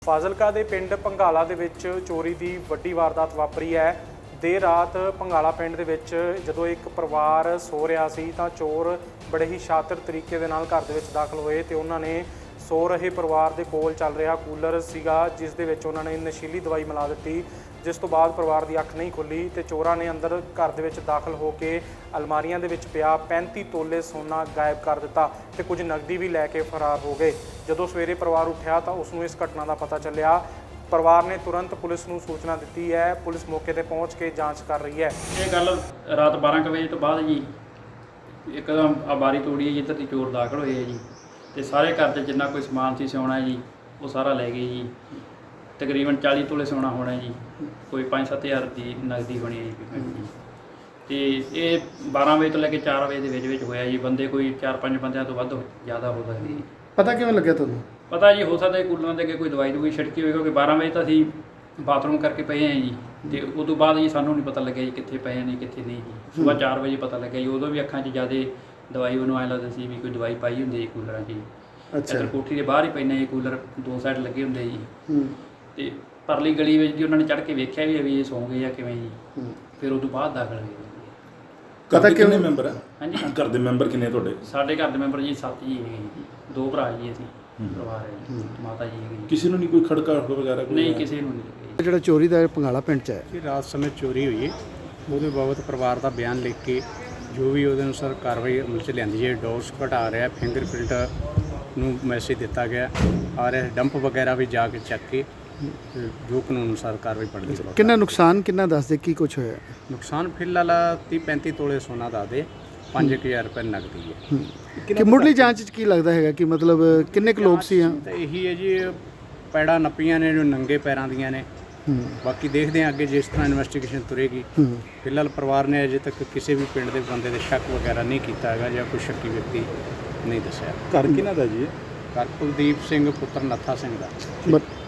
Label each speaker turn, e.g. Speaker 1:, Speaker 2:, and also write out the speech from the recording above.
Speaker 1: ਫਾਜ਼ਿਲਕਾ ਦੇ ਪਿੰਡ ਭੰਗਾਲਾ ਦੇ ਵਿੱਚ ਚੋਰੀ ਦੀ ਵੱਡੀ ਵਾਰਦਾਤ ਵਾਪਰੀ ਹੈ। ਦੇਰ ਰਾਤ ਭੰਗਾਲਾ ਪਿੰਡ ਦੇ ਵਿੱਚ ਜਦੋਂ ਇੱਕ ਪਰਿਵਾਰ ਸੋ ਰਿਹਾ ਸੀ ਤਾਂ ਚੋਰ ਬੜੇ ਹੀ ਸ਼ਾਤਰ ਤਰੀਕੇ ਦੇ ਨਾਲ ਘਰ ਦੇ ਵਿੱਚ ਦਾਖਲ ਹੋਏ ਤੇ ਉਹਨਾਂ ਨੇ ਸੋ ਰਹੇ ਪਰਿਵਾਰ ਦੇ ਕੋਲ ਚੱਲ ਰਿਹਾ ਕੂਲਰ ਸੀਗਾ ਜਿਸ ਦੇ ਵਿੱਚ ਉਹਨਾਂ ਨੇ ਨਸ਼ੀਲੀ ਦਵਾਈ ਮਿਲਾ ਦਿੱਤੀ, ਜਿਸ ਤੋਂ ਬਾਅਦ ਪਰਿਵਾਰ ਦੀ ਅੱਖ ਨਹੀਂ ਖੁੱਲੀ ਤੇ ਚੋਰਾਂ ਨੇ ਅੰਦਰ ਘਰ ਦੇ ਵਿੱਚ ਦਾਖਲ ਹੋ ਕੇ ਅਲਮਾਰੀਆਂ ਦੇ ਵਿੱਚ ਪਿਆ 35 ਤੋਲੇ ਸੋਨਾ ਗਾਇਬ ਕਰ ਦਿੱਤਾ ਤੇ ਕੁਝ ਨਕਦੀ ਵੀ ਲੈ ਕੇ ਫਰਾਰ ਹੋ ਗਏ। ਜਦੋਂ ਸਵੇਰੇ ਪਰਿਵਾਰ ਉੱਠਿਆ ਤਾਂ ਉਸ ਨੂੰ ਇਸ ਘਟਨਾ ਦਾ ਪਤਾ ਚੱਲਿਆ। ਪਰਿਵਾਰ ਨੇ ਤੁਰੰਤ ਪੁਲਿਸ ਨੂੰ ਸੂਚਨਾ ਦਿੱਤੀ ਹੈ। ਪੁਲਿਸ ਮੌਕੇ ਤੇ ਪਹੁੰਚ ਕੇ ਜਾਂਚ ਕਰ ਰਹੀ ਹੈ।
Speaker 2: ਇਹ ਗੱਲ ਰਾਤ 12 ਵਜੇ ਤੋਂ ਬਾਅਦ ਜੀ ਇੱਕਦਮ ਆਬਾਰੀ ਤੋੜੀ ਹੈ, ਜਿੱਧਰ ਦੀ ਚੋਰ ਦਾਖਲ ਹੋਏ ਹੈ ਜੀ ਤੇ ਸਾਰੇ ਘਰ 'ਚ ਜਿੰਨਾ ਕੋਈ ਸਮਾਨ ਸੀ ਸੋਨਾ ਜੀ ਉਹ ਸਾਰਾ ਲੈ ਗਏ ਜੀ। ਤਕਰੀਬਨ 40 ਤੋਲੇ ਸੋਨਾ ਹੋਣਾ ਜੀ, ਕੋਈ 5-7 ਹਜ਼ਾਰ ਦੀ ਨਗਦੀ ਹੋਣੀ ਹੈ ਜੀ। ਤੇ ਇਹ 12 ਵਜੇ ਤੋਂ ਲੈ ਕੇ 4 ਵਜੇ ਦੇ ਵਿੱਚ ਹੋਇਆ ਜੀ। ਬੰਦੇ ਕੋਈ 4-5 ਬੰਦਿਆਂ ਤੋਂ ਵੱਧ ਜ਼ਿਆਦਾ ਹੋ ਸਕਦੇ ਜੀ।
Speaker 3: ਪਤਾ ਕਿਵੇਂ ਲੱਗਿਆ ਤੁਹਾਨੂੰ?
Speaker 2: ਪਤਾ ਜੀ ਹੋ ਸਕਦਾ ਕੂਲਰਾਂ ਦੇ ਅੱਗੇ ਕੋਈ ਦਵਾਈ ਦੂਈ ਛਿੜਕੀ ਹੋਈ, ਕਿਉਂਕਿ 12 ਵਜੇ ਤਾਂ ਅਸੀਂ ਬਾਥਰੂਮ ਕਰਕੇ ਪਏ ਹਾਂ ਜੀ ਤੇ ਉਸ ਤੋਂ ਬਾਅਦ ਜੀ ਸਾਨੂੰ ਨਹੀਂ ਪਤਾ ਲੱਗਿਆ ਜੀ ਕਿੱਥੇ ਪਏ ਨੇ ਕਿੱਥੇ ਨਹੀਂ ਜੀ। ਸੁਬਾਹ 4 ਵਜੇ ਪਤਾ ਲੱਗਿਆ ਜੀ। ਉਦੋਂ ਵੀ ਅੱਖਾਂ 'ਚ ਜ਼ਿਆਦਾ ਦਵਾਈ ਉਹਨੂੰ ਐਂ ਲੱਗਦਾ ਸੀ ਵੀ ਕੋਈ ਦਵਾਈ ਪਾਈ ਹੁੰਦੀ ਜੀ ਕੂਲਰਾਂ 'ਚ ਜੀ। ਅੱਛਾ, ਕੋਠੀ ਦੇ ਬਾਹਰ ਹੀ ਪੈਂਦੇ ਜੀ ਕੂਲਰ, 2 ਸਾਈਡ ਲੱਗੇ ਹੁੰਦੇ ਜੀ। ਤੇ ਪਰਲੀ ਗਲੀ ਵਿੱਚ ਜੀ ਉਹਨਾਂ ਨੇ ਚੜ੍ਹ ਕੇ ਵੇਖਿਆ ਵੀ ਇਹ ਸੌਂ ਗਏ ਆ ਕਿਵੇਂ ਜੀ। ਫਿਰ ਉਸ ਤੋਂ ਬਾਅਦ ਦਾਖਲ ਹੋਏ।
Speaker 4: ਘਰ ਦੇ ਕਿੰਨੇ ਮੈਂਬਰ ਆ?
Speaker 2: ਹਾਂਜੀ,
Speaker 4: ਘਰ ਦੇ ਮੈਂਬਰ ਕਿੰਨੇ ਤੁਹਾਡੇ?
Speaker 2: ਸਾਡੇ ਘਰ ਦੇ ਮੈਂਬਰ ਜੀ 7 ਜੀ ਹੈਗੇ ਜੀ। 2 ਭਰਾ ਜੀ ਅਸੀਂ ਪਰਿਵਾਰ ਹੈ ਜੀ, ਮਾਤਾ ਜੀ ਹੈਗੇ।
Speaker 4: ਕਿਸੇ ਨੂੰ ਨਹੀਂ ਕੋਈ ਖੜਕਾ ਵਗੈਰਾ?
Speaker 2: ਨਹੀਂ, ਕਿਸੇ ਨੂੰ ਨਹੀਂ।
Speaker 3: ਜਿਹੜਾ ਚੋਰੀ ਦਾ ਭੰਗਾਲਾ ਪਿੰਡ 'ਚ ਹੈ,
Speaker 5: ਕਿ ਰਾਤ ਸਮੇਂ ਚੋਰੀ ਹੋਈ ਹੈ, ਉਹਦੇ ਬਾਬਤ ਪਰਿਵਾਰ ਦਾ ਬਿਆਨ ਲਿਖ ਕੇ ਜੋ ਵੀ ਉਹਦੇ ਅਨੁਸਾਰ ਕਾਰਵਾਈ ਅਮਲ 'ਚ ਲਿਆਂਦੀ ਹੈ। ਡੋਸ ਘਟਾ ਰਿਹਾ, ਫਿੰਗਰਪ੍ਰਿੰਟ ਨੂੰ ਮੈਸੇਜ ਦਿੱਤਾ ਗਿਆ ਆ ਰਿਹਾ, ਡੰਪ ਵਗੈਰਾ ਵੀ ਜਾ ਕੇ ਚੱਕ ਕੇ ਜੋ ਕਾਨੂੰਨ ਅਨੁਸਾਰ ਕਾਰਵਾਈ ਪੜਦੀ ਹੈ।
Speaker 3: ਕਿੰਨਾ ਨੁਕਸਾਨ ਕਿੰਨਾ ਦੱਸਦੇ ਕੀ ਕੁਝ ਹੋਇਆ?
Speaker 5: ਨੁਕਸਾਨ ਫਿਲਹਾਲ 30-35 ਤੋਲੇ ਸੋਨਾ ਦੱਸਦੇ, 5000 ਰੁਪਏ ਨਗਦੀ ਹੈ।
Speaker 3: ਕਿ ਮੁੱਢਲੀ ਜਾਂਚ 'ਚ ਕੀ ਲੱਗਦਾ ਹੈਗਾ ਕਿ ਮਤਲਬ ਕਿੰਨੇ ਕੁ ਲੋਕ ਸੀ ਆ?
Speaker 5: ਤਾਂ ਇਹੀ ਹੈ ਜੀ, ਪੈੜਾਂ ਨੱਪੀਆਂ ਨੇ ਜੋ ਨੰਗੇ ਪੈਰਾਂ ਦੀਆਂ ਨੇ। ਬਾਕੀ ਦੇਖਦੇ ਹਾਂ ਅੱਗੇ ਜਿਸ ਤਰ੍ਹਾਂ ਇਨਵੈਸਟੀਗੇਸ਼ਨ ਤੁਰੇਗੀ। ਫਿਲਹਾਲ ਪਰਿਵਾਰ ਨੇ ਅਜੇ ਤੱਕ ਕਿਸੇ ਵੀ ਪਿੰਡ ਦੇ ਬੰਦੇ ਦੇ ਸ਼ੱਕ ਵਗੈਰਾ ਨਹੀਂ ਕੀਤਾ ਹੈਗਾ ਜਾਂ ਕੋਈ ਸ਼ੱਕੀ ਵਿਅਕਤੀ ਨਹੀਂ ਦੱਸਿਆ।
Speaker 4: ਘਰ ਕਿਹਨਾਂ ਦਾ ਜੀ?
Speaker 5: ਘਰ ਕੁਲਦੀਪ ਸਿੰਘ ਪੁੱਤਰ ਨੱਥਾ ਸਿੰਘ ਦਾ।